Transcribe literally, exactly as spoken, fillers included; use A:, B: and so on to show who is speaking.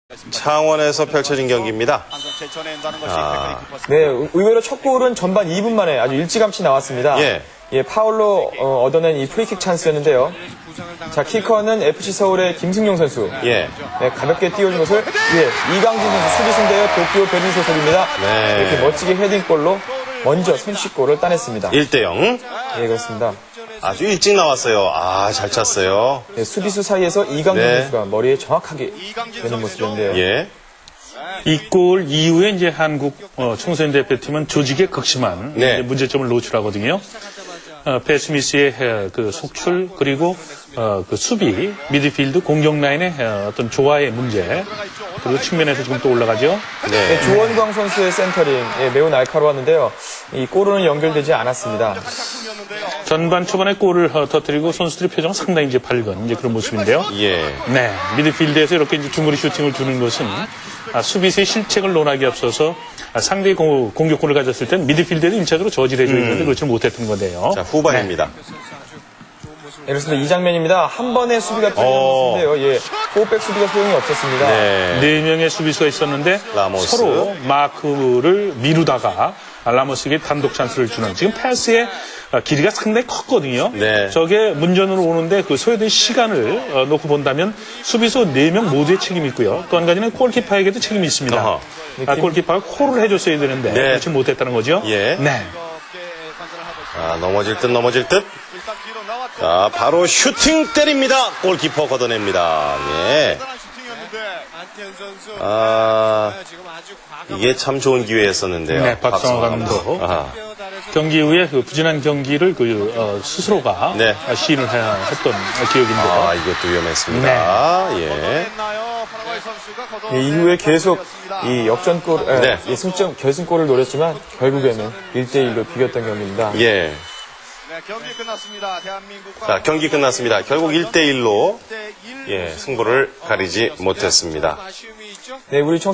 A: 창원에서 펼쳐진 경기입니다.
B: 아. 네, 의외로 첫 골은 전반 이 분 만에 아주 일찌감치 나왔습니다.
A: 예.
B: 예, 파울로 어, 얻어낸 이 프리킥 찬스였는데요. 자, 키커는 에프씨 서울의 김승용 선수.
A: 예.
B: 네, 가볍게 띄워준 것을 예, 이강진 선수 수비수인데요. 도쿄 베린 소속입니다.
A: 네.
B: 이렇게 멋지게 헤딩골로 먼저 선취골을 따냈습니다.
A: 일 대 영.
B: 예, 그렇습니다.
A: 아주 일찍 나왔어요. 아, 잘 찼어요.
B: 네, 수비수 사이에서 이강진
A: 네.
B: 선수가 머리에 정확하게 되는 모습인데요.
A: 예.
C: 이 골 이후에 이제 한국 어, 청소년 대표팀은 조직에 극심한
A: 네.
C: 이제 문제점을 노출하거든요. 어, 베스미스의 어, 그 속출 그리고 어, 그 수비 미드필드 공격 라인의 어, 어떤 조화의 문제 그리고 측면에서 지금 또 올라가죠.
A: 네.
B: 네, 조원광 선수의 센터링 예, 매우 날카로웠는데요. 이 골로는 연결되지 않았습니다.
C: 전반 초반에 골을 어, 터뜨리고 선수들의 표정은 상당히 이제 밝은 이제 그런 모습인데요.
A: 예.
C: 네, 미드필드에서 이렇게 이제 중거리 슈팅을 주는 것은 아, 수비수의 실책을 논하기 앞서서 아, 상대의 공, 공격권을 가졌을 땐 미드필드에도 일차적으로 저지를 해줘야 되는데 그렇지 못했던 건데요.
A: 자, 후반입니다.
B: 네, 그렇습니다. 이 장면입니다. 한 번의 수비가 뚫린
A: 어.
B: 모습인데요. 예, 포백 수비가 소용이 없었습니다.
A: 네.
C: 네 명의 수비수가 있었는데
A: 라모스.
C: 서로 마크를 미루다가 라모스에게 단독 찬스를 주는 지금 패스의 길이가 상당히 컸거든요.
A: 네.
C: 저게 문전으로 오는데 그 소요된 시간을 어, 놓고 본다면 수비수 네 명 모두의 책임이 있고요. 또 한 가지는 골키퍼에게도 책임이 있습니다.
A: 어허.
C: 아, 골키퍼가 콜을 해줬어야 되는데
A: 네.
C: 그렇지 못했다는 거죠.
A: 예.
C: 네.
A: 자, 넘어질 듯 넘어질 듯. 자, 바로 슈팅 때립니다. 골키퍼 걷어냅니다. 예. 아, 이게 참 좋은 기회였었는데요.
C: 네, 박성호 감독.
A: 아하.
C: 경기 이후에 그 부진한 경기를 그 어, 스스로가
A: 네.
C: 시인을 해, 했던 기억인데요.
A: 아, 이것도 위험했습니다. 예.
B: 예, 이후에 계속 이 역전골, 예,
A: 네.
B: 예, 승점 결승골을 노렸지만 결국에는 일 대 일로 비겼던 경기입니다.
A: 예.
D: 네, 경기 끝났습니다. 대한민국과
A: 자, 경기 끝났습니다. 결국 일 대 일로 예, 승부를 가리지 못했습니다.
D: 아쉬움이 있죠?
B: 네, 우리 청